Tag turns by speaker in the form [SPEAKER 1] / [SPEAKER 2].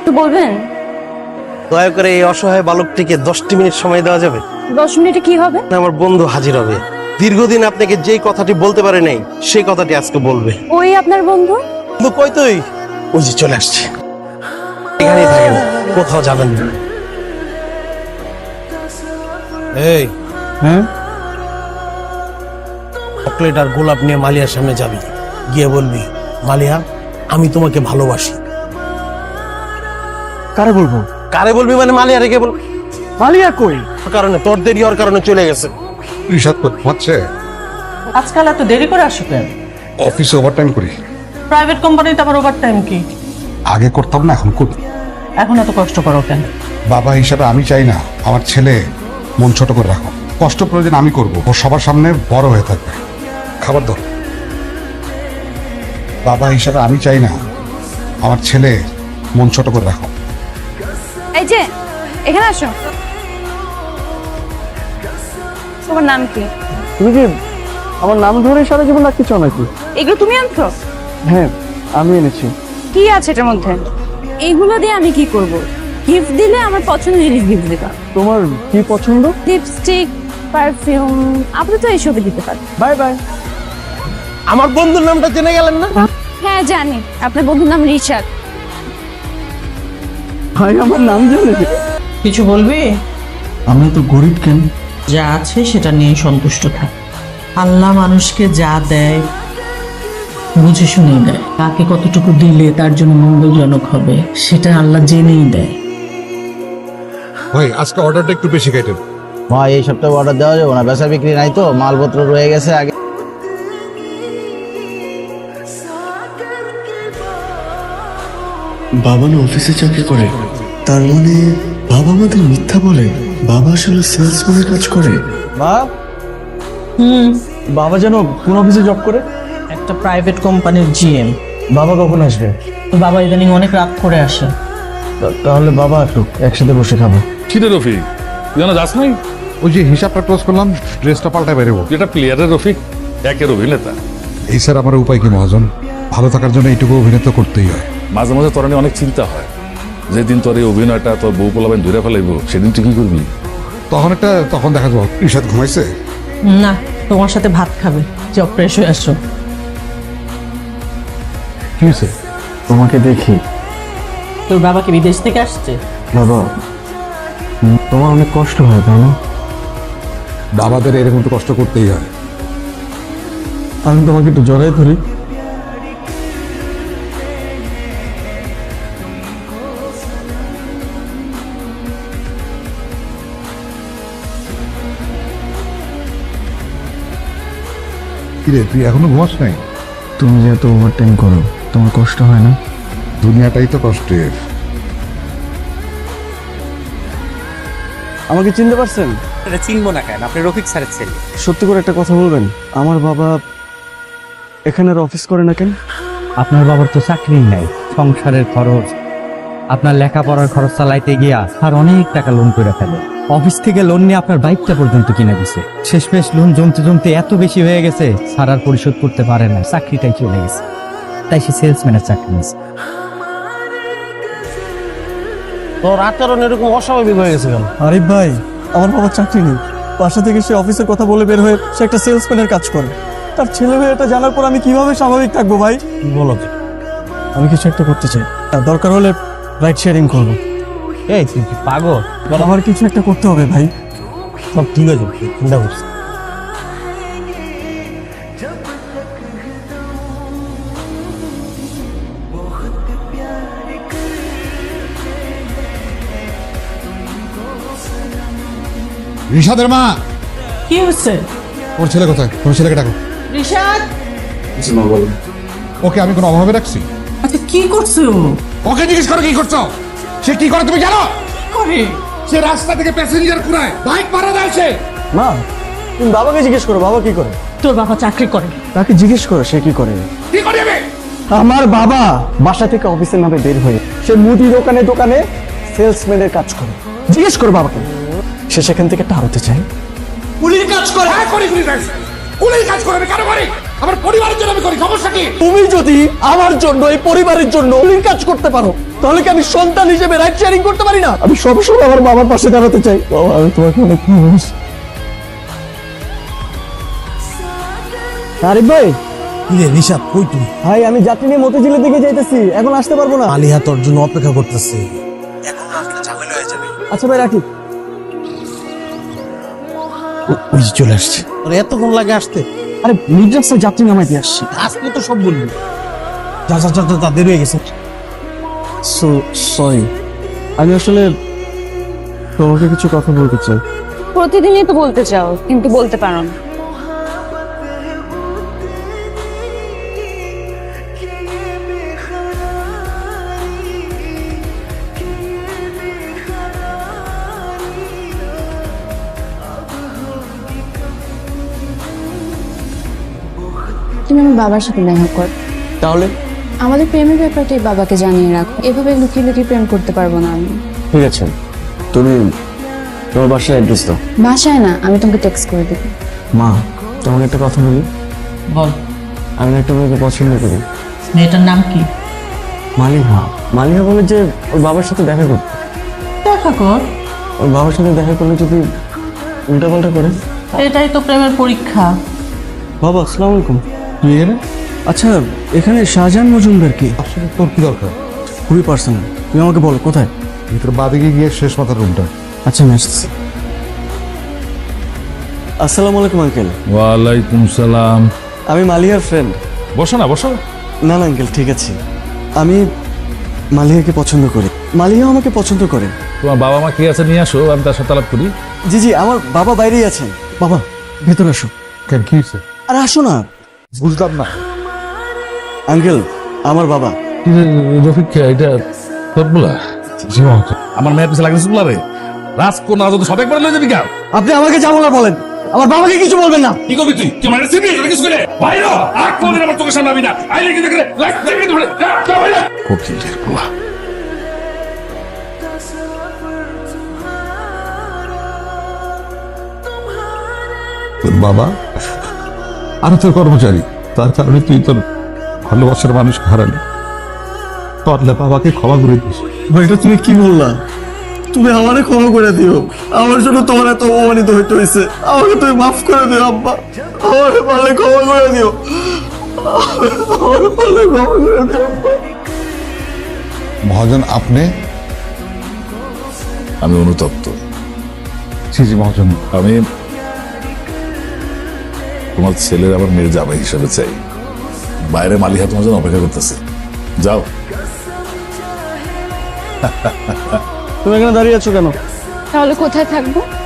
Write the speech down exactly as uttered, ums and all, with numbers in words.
[SPEAKER 1] একটু বলবেন?
[SPEAKER 2] দয়া করে এই অসহায় বালকটিকে দশটি মিনিট সময় দেওয়া যাবে?
[SPEAKER 1] দশ মিনিটে কি হবে?
[SPEAKER 2] আমার বন্ধু হাজির হবে। দীর্ঘদিন আপনাকে যেই কথাটি বলতে পারে নাই সেই কথাটি আজকে বলবে।
[SPEAKER 1] ওই আপনার বন্ধু?
[SPEAKER 2] কিন্তু কই তুই? ওই যে চলে আসছে। এখানেই থাকেন, কোথাও যাবেন না। এই
[SPEAKER 3] হ্যাঁ,
[SPEAKER 2] চকলেট আর গোলাপ নিয়ে মালিয়ার সামনে যাবি, গিয়ে বলবি, মালিয়া আমি তোমাকে ভালোবাসি।
[SPEAKER 3] কারে বলবো?
[SPEAKER 2] কারে বলবি মানে মালিয়া রেখে বল।
[SPEAKER 3] মালিয়া কই?
[SPEAKER 2] কারণে তোর দেরি হওয়ার কারণে চলে গেছে।
[SPEAKER 4] রিশাদ হচ্ছে
[SPEAKER 5] আজকাল এত দেরি করে আসো কেন?
[SPEAKER 4] অফিসে ওভারটাইম করি।
[SPEAKER 5] প্রাইভেট কোম্পানিতে আবার ওভার টাইম কি?
[SPEAKER 4] আগে করতাম না, এখন করি।
[SPEAKER 5] এখন এত কষ্ট করো কেন?
[SPEAKER 4] বাবা হিসাবে আমি চাই না আমার ছেলে মন ছোট করে রাখো। কষ্ট প্রয়োজন আমি করব, ও সবার সামনে বড় হয়ে থাকবে। খাবার দাও। বাবা হিসাবে আমি চাই না আমার ছেলে মন ছোট করে রাখো।
[SPEAKER 1] এই যে এখানে আসো। তোমার নাম কি?
[SPEAKER 3] তুমি কি আমার নাম ধরে সারা জীবন রাখতে চাও নাকি?
[SPEAKER 1] এগুলো তুমি আনছো?
[SPEAKER 3] হ্যাঁ, আমি এনেছি।
[SPEAKER 1] কি আছে এটার মধ্যে? এইগুলো দিয়ে আমি কি করব? গিফট দিলে আমার পছন্দের জিনিস গিফট দিবা।
[SPEAKER 3] তোমার কি পছন্দ?
[SPEAKER 1] লিপস্টিক, পারফিউম, আপাতত এইসবই দিতে পারি।
[SPEAKER 3] Bye bye.
[SPEAKER 2] আমার বন্ধুর নামটা জেনে গেলেন না?
[SPEAKER 1] হ্যাঁ জানি, আপনার বন্ধুর নাম রিশাদ।
[SPEAKER 3] ভাই আমার নাম জানে?
[SPEAKER 5] কিছু বলবি?
[SPEAKER 3] আমরা তো গরিব কেন?
[SPEAKER 5] যা আছে সেটা নিয়ে সন্তুষ্ট থাক। আল্লাহ মানুষকে যা দেয় বুঝে শুনেই দেয়। কাকে কতটুকু দিলে তার জন্য মঙ্গলজনক হবে সেটা আল্লাহ জেনেই দেয়।
[SPEAKER 4] ভাই আজকে অর্ডারটা একটু বেশি কেটেন।
[SPEAKER 6] ভাই এই সপ্তাহে অর্ডার দেওয়া যাবে না, বেচা বিক্রি নাই তো, মালপত্র রয়ে গেছে আগে।
[SPEAKER 7] বাবা না অফিসে চাকরি করে, তার মানে বাবা আমাদের মিথ্যা বলে? বাবা আসলে সেলসম্যানের কাজ করে?
[SPEAKER 3] মা,
[SPEAKER 5] হুম,
[SPEAKER 3] বাবা যেন কোন অফিসে জব করে?
[SPEAKER 5] একটা প্রাইভেট কোম্পানির জিএম।
[SPEAKER 3] বাবা কখন আসবে?
[SPEAKER 5] বাবা ইদানিং অনেক রাত করে আসে।
[SPEAKER 3] তা- তাহলে বাবা একটু একসাথে বসে খাবো।
[SPEAKER 8] কিরে রফিক, তুই জানা যাস নাই?
[SPEAKER 4] ওই যে হিসাবটা ক্লোজ করলাম, ড্রেসটা পাল্টায় বেরোবো।
[SPEAKER 8] যেটা প্লেয়ারের রফিক, একের অভিনেতা।
[SPEAKER 4] এই স্যার আমার উপায় কি মহাজন? ভালো থাকার জন্য এইটুকু অভিনেতা করতেই হয়।
[SPEAKER 8] মাঝে মাঝে তোর নিয়ে অনেক চিন্তা হয়, যেদিন তোর এই অভিনয়টা তোর বউ পোলাবেন ধরে ফেলাইব, সেদিন তুই কি করবি?
[SPEAKER 4] তখন একটা তখন দেখা যাবো রিশাদ ঘুমাইছে।
[SPEAKER 5] না, তোমার সাথে ভাত খাবে। যাও ফ্রেশ হয়ে আসো।
[SPEAKER 4] কি হয়েছে?
[SPEAKER 3] তোমাকে দেখি।
[SPEAKER 5] তোর বাবা কি বিদেশ থেকে আসছে?
[SPEAKER 3] বাবা, উম, তোমার অনেক কষ্ট হয় তাই না?
[SPEAKER 4] বাবাদের এরকম তো কষ্ট করতেই হয়।
[SPEAKER 3] আমি তোমাকে একটু জড়াই ধরি।
[SPEAKER 4] কিরে তুই এখনো ঘুমাস নাই?
[SPEAKER 3] তুমি যেহেতু ওভারটাইম করো, তোমার কষ্ট হয় না?
[SPEAKER 4] দুনিয়াটাই তো কষ্টের।
[SPEAKER 3] আমাকে চিনতে পারছেন?
[SPEAKER 9] এটা চিনবো না কেন? আপনি রফিক স্যারের ছেলে।
[SPEAKER 3] সত্যি করে একটা কথা বলবেন, আমার বাবা এখানে আর অফিস করে না কেন?
[SPEAKER 10] আপনার বাবার তো চাকরি নাই, সংসারের খরচ, আপনার লেখাপড়ার খরচ চালাইতে গিয়া আর অনেক টাকা লোন করে ফেলে। অফিস থেকে লোন নিয়ে আপনার বাইকটা পর্যন্ত কিনে দিছে। শেষমেশ লোন জমতে জমতে এত বেশি হয়ে গেছে, স্যার আর পরিশোধ করতে পারে না, চাকরিটাই চলে গেছে। তাই সে সেলসম্যানের চাকরি নিয়েছে।
[SPEAKER 2] তোর আচরণ এরকম অস্বাভাবিক হয়ে গেছে কেন?
[SPEAKER 3] আরিফ ভাই, আমার বাবার চাকরি নেই। বাসা থেকে সে অফিসের কথা বলে বের হয়ে সে একটা সেলসম্যানের কাজ করে। তার ছেলে মেয়ে এটা জানার পর আমি কিভাবে স্বাভাবিক থাকবো ভাই?
[SPEAKER 2] বলো।
[SPEAKER 3] আমি কিছু একটা করতে চাই, আর দরকার হলে রাইড শেয়ারিং করবো।
[SPEAKER 2] এই তুই কি পাগল?
[SPEAKER 3] আমার কিছু একটা করতে হবে ভাই।
[SPEAKER 2] সব ঠিক আছে, চিন্তা করছি।
[SPEAKER 4] রিশাদের মা,
[SPEAKER 5] কি হচ্ছে?
[SPEAKER 4] ওর ছেলে কোথায়? ওর ছেলেকে ডাকো।
[SPEAKER 5] রিশাদ,
[SPEAKER 4] ওকে আমি কোনো অভাবে রাখছি?
[SPEAKER 5] আচ্ছা কি করছো?
[SPEAKER 4] ওকে জিজ্ঞেস করো কি করছো। সে কি করে তুমি জানো?
[SPEAKER 5] করে
[SPEAKER 4] সে রাস্তা থেকে প্যাসেঞ্জার কুড়ায়, বাইক পাড়া দেয় সে।
[SPEAKER 3] মা, তুমি বাবাকে জিজ্ঞেস করো, বাবা কি করে?
[SPEAKER 5] তোর বাবা চাকরি করে।
[SPEAKER 3] তাকে জিজ্ঞেস করো সে কি করে।
[SPEAKER 4] কি করে যাবে?
[SPEAKER 3] আমার বাবা বাসা থেকে অফিসের নামে বের হয়ে সে মুদি দোকানে দোকানে সেলসম্যানের কাজ করে। জিজ্ঞেস করো বাবাকে, সে সেখান থেকে টাকা হতে চায়।
[SPEAKER 4] কুলির কাজ করে। হ্যাঁ করি কুলির কাজ। কুলির কাজ করে আমি কেন করি? আমার পরিবারের জন্য আমি করি, সমস্যা কি?
[SPEAKER 3] তুমি যদি আমার জন্য এই পরিবারের জন্য এই কাজ করতে পারো তাহলে কি আমি সন্তান হিসেবে রাইট শেয়ারিং করতে পারি না? আমি সবসময় আমার বাবার পাশে দাঁড়াতে চাই। বাবা, আমি তোমাকে অনেক ভালোবাসি। আরিফ ভাই,
[SPEAKER 2] কি রে রিশাদ, কই তুই?
[SPEAKER 3] ভাই আমি যাত্রী নিয়ে মতিঝিলের দিকে যাইতেছি, এখন আসতে পারবো না।
[SPEAKER 2] মালিয়া তোর জন্য অপেক্ষা করতেছে, এখন আসলে ঝামেলা হয়ে যাবে।
[SPEAKER 3] আচ্ছা ভাই, রাখি।
[SPEAKER 2] ওই যে চলে আসছে। তোর এতক্ষণ লাগে আসতে?
[SPEAKER 3] আরে মির্জাস্তার যাত্রী নামাইতে আসছি।
[SPEAKER 2] আজকে তো সব বলবি। যা যা যা যা, দেরি হয়ে গেছে।
[SPEAKER 3] সো সরি, আমি আসলে তোমাকে কিছু কথা বলতে চাই।
[SPEAKER 1] প্রতিদিনই তো বলতে চাও কিন্তু বলতে পারো না। তুমি আমার বাবার সাথে দেখা কর,
[SPEAKER 3] তাহলে
[SPEAKER 1] আমাদের প্রেমের ব্যাপারটাই বাবাকে জানিয়ে রাখো। এভাবে লুকিয়ে লুকিয়ে প্রেম করতে পারবো না আমি।
[SPEAKER 3] ঠিক আছে, তুমি তোমার বাসায় অ্যাড্রেস দাও।
[SPEAKER 1] বাসায় না, আমি তোমাকে টেক্সট করে দেবো।
[SPEAKER 3] মা, তোমাকে একটা কথা বলি।
[SPEAKER 5] বল,
[SPEAKER 3] আমি একটা মেয়েকে পছন্দ করি।
[SPEAKER 5] মেয়েটার নাম কি?
[SPEAKER 3] মালিহা। মালিহা বলে যে ওর বাবার সাথে দেখা করতে।
[SPEAKER 5] দেখা কর।
[SPEAKER 3] ওর বাবার সাথে দেখা করলে যদি উল্টাপাল্টা করে?
[SPEAKER 5] এটাই তো প্রেমের পরীক্ষা।
[SPEAKER 3] বাবা, আসসালামু আলাইকুম। তুই এখানে? আচ্ছা, এখানে শাহজাহান মজুমদার কি?
[SPEAKER 4] আসলে তোর কি দরকার?
[SPEAKER 3] খুবই পার্সোনাল, তুমি আমাকে বলো কোথায়।
[SPEAKER 4] ভিতরে বাদিকে গিয়ে শেষ মাথার রুমটা।
[SPEAKER 3] আচ্ছা, আমি আসছি। আসসালামু আলাইকুম আঙ্কেল।
[SPEAKER 8] ওয়ালাইকুম সালাম।
[SPEAKER 3] আমি মালিহার ফ্রেন্ড।
[SPEAKER 8] বসো না, বসো।
[SPEAKER 3] না না আঙ্কেল, ঠিক আছে। আমি মালিহাকে পছন্দ করি, মালিহা আমাকে পছন্দ করে।
[SPEAKER 8] তোমার বাবা মা কি আছে নিয়ে আসো, আমি তার সাথে আলাপ করি।
[SPEAKER 3] জি জি, আমার বাবা বাইরেই আছেন। বাবা, ভেতরে আসো।
[SPEAKER 4] কেন, কি হয়েছে?
[SPEAKER 3] আরে আসো না।
[SPEAKER 4] বুঝলাম না।
[SPEAKER 3] আঙ্কেল, আমার বাবা।
[SPEAKER 8] রফিক, এটা তোর বলা? আমার মেয়ের পিছনে লাগছে বলা রে। রাজকন্যা যদি সব একবার লয়ে যাবি কেন?
[SPEAKER 3] আপনি আমাকে যাবো না বলেন, আমার বাবাকে কিছু বলবেন না।
[SPEAKER 8] কি করবি তুই? তুই মানে সিবি এটা কিছু করে বাইরে আর কোনদিন আমার চোখের সামনে আবি না। আইলে কি দেখলে লাইক দেখে ধরে যা যা বাইরে। খুব চিন্তার বলা।
[SPEAKER 4] তোর বাবা আর তোর কর্মচারী, তার কারণে তুই তোর ভালোবাসার মানুষকে হারালি। পারলে বাবাকে ক্ষমা করে দিস।
[SPEAKER 3] ভাই, এটা তুমি কি বললা? তুমি আমারে ক্ষমা করে দিও, আমার জন্য তোমার এত অপমানিত হইতে হয়েছে। আমাকে তুমি মাফ করে দিও আব্বা, আমাকে পারলে ক্ষমা করে দিও, আমাকে পারলে ক্ষমা করে দিও আব্বা।
[SPEAKER 4] মহাজন, আপনি?
[SPEAKER 8] আমি অনুতপ্ত।
[SPEAKER 4] জি জি মহাজন।
[SPEAKER 8] আমি তোমার ছেলের আবার মেয়ের জামাই হিসেবে চাই। বাইরে মালিহা তোমার জন্য অপেক্ষা করতেছে, যাও।
[SPEAKER 3] তুমি এখানে দাঁড়িয়ে আছো কেন?
[SPEAKER 1] তাহলে কোথায় থাকবো?